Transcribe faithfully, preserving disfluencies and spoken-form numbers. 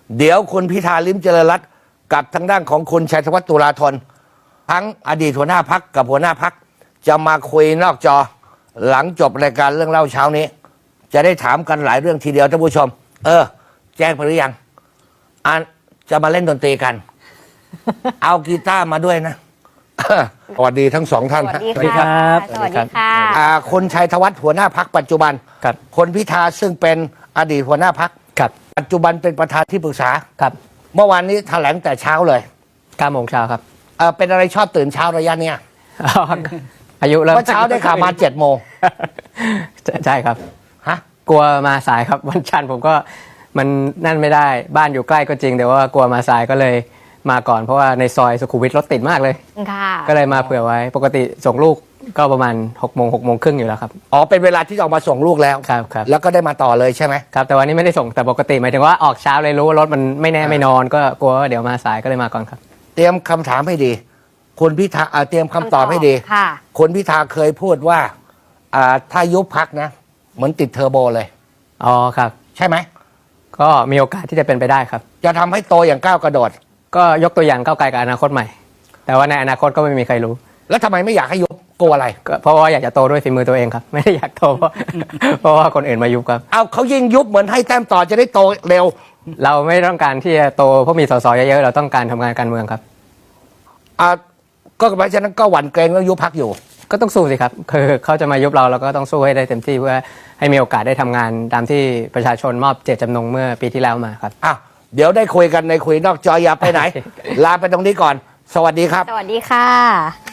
เดี๋ยวคุณพิธาลิ้มเจริญรัตน์กับทางด้านของคุณชัยธวัฒน์ตุลาธนทั้งอดีตหัวหน้าพักกับหัวหน้าพักจะมาคุยนอกจอหลังจบรายการเรื่องเล่าเช้านี้จะได้ถามกันหลายเรื่องทีเดียวท่านผู้ชมเออแจ้งไปหรือยังอ่านจะมาเล่นดนตรีกัน เอากีตาร์มาด้วยนะ สวัสดีทั้งสองท่านสวัสดีครับสวัสดีค่ะอ่าคุณชัยธวัฒน์หัวหน้าพักปัจจุบันครับคนพิธาซึ่งเป็นอดีตหัวหน้าพักครับปัจจุบันเป็นประธานที่ปรึกษาครับเมื่อวานนี้แถลงแต่เช้าเลยเก้าโมงเช้าครับเออเป็นอะไรชอบตื่นเช้าระยะเนี้ยอายุเริ่มเมื่อเช้าได้ข่าวมาเจ็ดโมงใช่ครับฮะกลัวมาสายครับวันจันทร์ผมก็มันนั่นไม่ได้บ้านอยู่ใกล้ก็จริงแต่ว่ากลัวมาสายก็เลยมาก่อนเพราะว่าในซอยสุขุมวิทรถติดมากเลยค่ะก็เลยมาเผื่อไว้ปกติส่งลูกก็ประมาณหกโมงหกโมงครึ่งอยู่แล้วครับอ๋อเป็นเวลาที่จะออกมาส่งลูกแล้วครับครับแล้วก็ได้มาต่อเลยใช่ไหมครับแต่วันนี้ไม่ได้ส่งแต่ปกติหมายถึงว่าออกเช้าเลยรู้ว่ารถมันไม่แน่ไม่นอนก็กลัวว่าเดี๋ยวมาสายก็เลยมาก่อนครับเตรียมคำถามให้ดีคุณพิธาอ่าเตรียมคำตอบให้ดีค่ะคุณพิธาเคยพูดว่าอ่าถ้ายุบพักนะ เหมือนติดเทอร์โบเลยอ๋อครับใช่ไหมก็มีโอกาสที่จะเป็นไปได้ครับจะทำให้โตอย่างก้าวกระโดดก็ยกตัวอย่างก้าวไกลกับอนาคตใหม่ แต่ว่าในอนาคตก็ไม่มีใครรู้แล้วทำไมไม่อยากให้ยุบกลัวอะไรก็เพราะว่าอยากจะโตด้วยฝีมือตัวเองครับ ไม่ได้อยากโตเพราะ เพราะว่าคนอื่นมายุบครับเอาเขายิ่งยุบเหมือนให้แต้มต่อจะได้โตเร็วเราไม่ต้องการที่จะโตเพราะมีสสเยอะๆเราต้องการทำงานการเมืองครับอ่าก็เพราะฉะนั้นก็หวั่นเกรงว่ายุบพักอยู่ก็ต้องสู้สิครับคือเขาจะมายุบเราเราก็ต้องสู้ให้ได้เต็มที่เพื่อให้มีโอกาสได้ทำงานตามที่ประชาชนมอบเจตจำนงเมื่อปีที่แล้วมาครับอ่ะเดี๋ยวได้คุยกันในคุยนอกจออย่าไปไหน ลาไปตรงนี้ก่อน สวัสดีครับสวัสดีค่ะ